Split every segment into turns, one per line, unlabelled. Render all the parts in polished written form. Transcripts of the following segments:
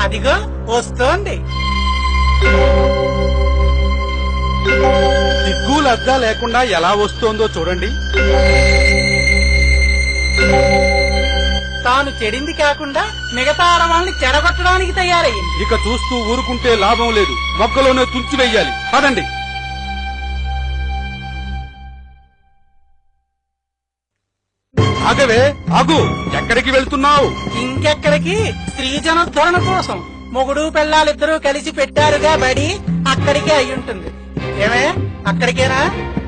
అదిగో వస్తోంది.
సిగ్గు లజ్జ లేకుండా ఎలా వస్తోందో చూడండి.
తాను చెడింది కాకుండా మిగతా ఆడవాళ్ళని చెడగొట్టడానికి తయారయ్యింది.
ఇక చూస్తూ ఊరుకుంటే లాభం లేదు, మొక్కలోనే తుంచివెయ్యాలి. పదండి. ఆగవే, ఆగు. ఎక్కడికి వెళ్తున్నావు?
ఇంకెక్కడికి? స్త్రీ జనోద్ధరణ కోసం మొగుడు పెళ్ళాలిద్దరూ కలిసి పెట్టారుగా బడి, అక్కడికే అయ్యుంటుంది. ఏమే, అక్కడికేనా?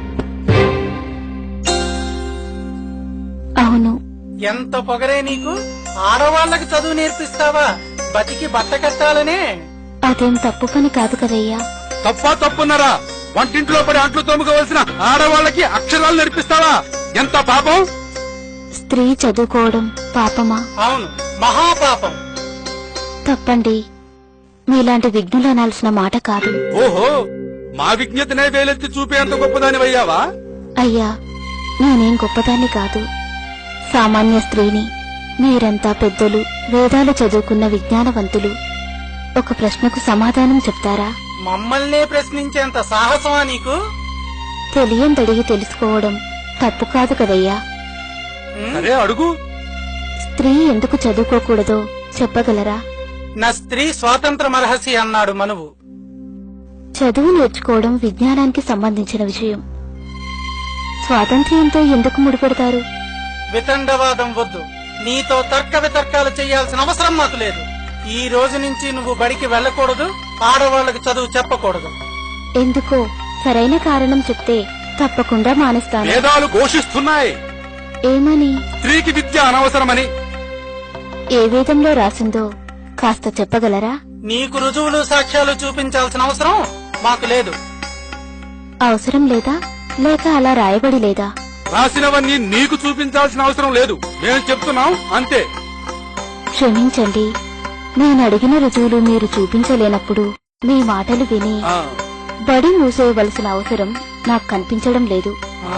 అవును.
ఎంత పొగరే నీకు! ఆడవాళ్లకు చదువు నేర్పిస్తావా? బతికి బట్ట కట్టాలనే.
అదేం తప్పు పని కాదు కదయ్యా.
తప్పున్నారా? వంటింట్లో పడి అంట్లు తోముకోవలసిన ఆడవాళ్ళకి అక్షరాలు నేర్పిస్తావా? ఎంత పాపం!
స్త్రీ చదువుకోవడం పాపమా?
అవును, మహాపాపం.
తప్పండి. మీలాంటి విఘ్నులు అనాల్సిన మాట కాదు.
ఓహో, మా విజ్ఞతనే వేలెత్తి చూపేంత గొప్పదానివయ్యావా?
అయ్యా, నేనేం గొప్పదాన్ని కాదు, సామాన్య స్త్రీని. మీరంతా పెద్దలు, వేదాలు చదువుకున్న విజ్ఞానవంతులు. ఒక ప్రశ్నకు సమాధానం చెప్తారా?
మమ్మల్నే ప్రశ్నించేంత సాహసమా నీకు?
తెలియందడిగి తెలుసుకోవడం తప్పు కాదు కదయ్యా.
సరే, అడుగు.
స్త్రీ ఎందుకు చదువుకోకూడదో చెప్పగలరా?
నా స్త్రీ స్వాతంత్ర మరహసి అన్నాడు మనువు.
చదువు నేర్చుకోవడం విజ్ఞానానికి సంబంధించిన విషయం. స్వాతంత్ర్యంతో ఎందుకు ముడిపెడతారు?
వితండవాదం వద్దు. నీతో తర్క వితర్కాలు చేయాల్సిన అవసరం మాకు లేదు. ఈ రోజు నుంచి నువ్వు బడికి వెళ్ళకూడదు, ఆడవాళ్లకు చదువు చెప్పకూడదు.
ఎందుకో సరైన కారణం చెప్తే తప్పకుండా మానేస్తాను.
వేదాలు ఘోషిస్తున్నాయి.
ఏమని?
స్త్రీకి విద్య అనవసరమని.
ఏ వేదంలో రాసిందో కాస్త చెప్పగలరా?
నీకు రుజువులు సాక్ష్యాలు చూపించాల్సిన అవసరం మాకు లేదు.
అవసరం లేదా, లేక అలా రాయబడి లేదా?
రాసినవన్నీ నీకు చూపించాల్సిన అవసరం లేదు, మేము చెప్తున్నాం అంతే.
క్షమించండి, నేను అడిగిన రుజువులు మీరు చూపించలేనప్పుడు మీ మాటలు విని బడి మూసేయవలసిన అవసరం నాకు కనిపించడం లేదు.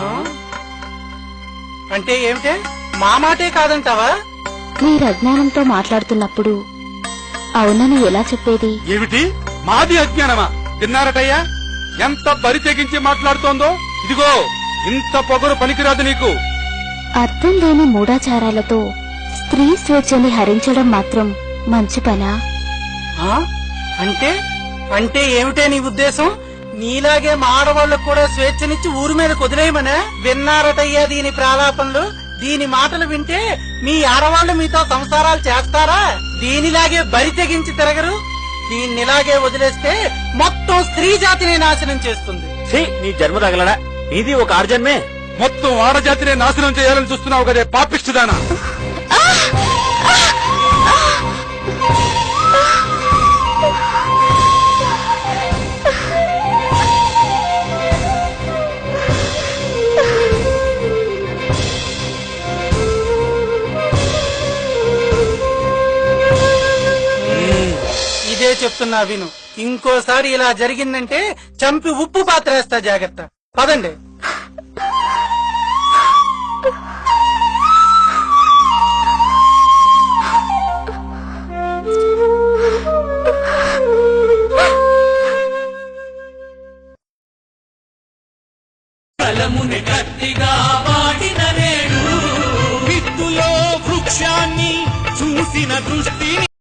అంటే ఏమిటే? మా మాటే కాదంటావా?
మీరు అజ్ఞానంతో మాట్లాడుతున్నప్పుడు అవునని ఎలా చెప్పేది?
ఏమిటి? మాది అజ్ఞానమా? తిన్నారటయ్యా, ఎంత బరి తెగించి మాట్లాడుతోందో. ఇదిగో, ఇంత పొగరు పనికిరాదు నీకు.
అర్థం లేని మూఢాచారాలతో స్త్రీ స్వేచ్ఛని హరించడం మాత్రం మంచి పనా?
అంటే అంటే ఏమిటే నీ ఉద్దేశం? నీలాగే మా ఆడవాళ్లకు కూడా స్వేచ్ఛనిచ్చి ఊరి మీద కుదిలేయమనే? విన్నారటయ్యా దీని ప్రాలాపనలు. దీని మాటలు వింటే మీ ఆడవాళ్లు మీతో సంసారాలు చేస్తారా? దీనిలాగే బరి తెగించి తిరగరు. దీన్నిలాగే వదిలేస్తే మొత్తం స్త్రీ జాతిని నాశనం చేస్తుంది.
నీ జన్మ తగలడా? ఇది ఒక ఆర్జన్మే.
మొత్తం ఆడజాతినే నాశనం చేయాలని చూస్తున్నావు కదే పాపిష్టిదానా.
ఇదే చెప్తున్నా విను. ఇంకోసారి ఇలా జరిగిందంటే చంపి ఉప్పు పాత్ర వేస్తా, జాగ్రత్త. పదండి.
కలముని గట్టిగా వాడిన నేడు విత్తులో వృక్షాన్ని చూసిన దృష్టి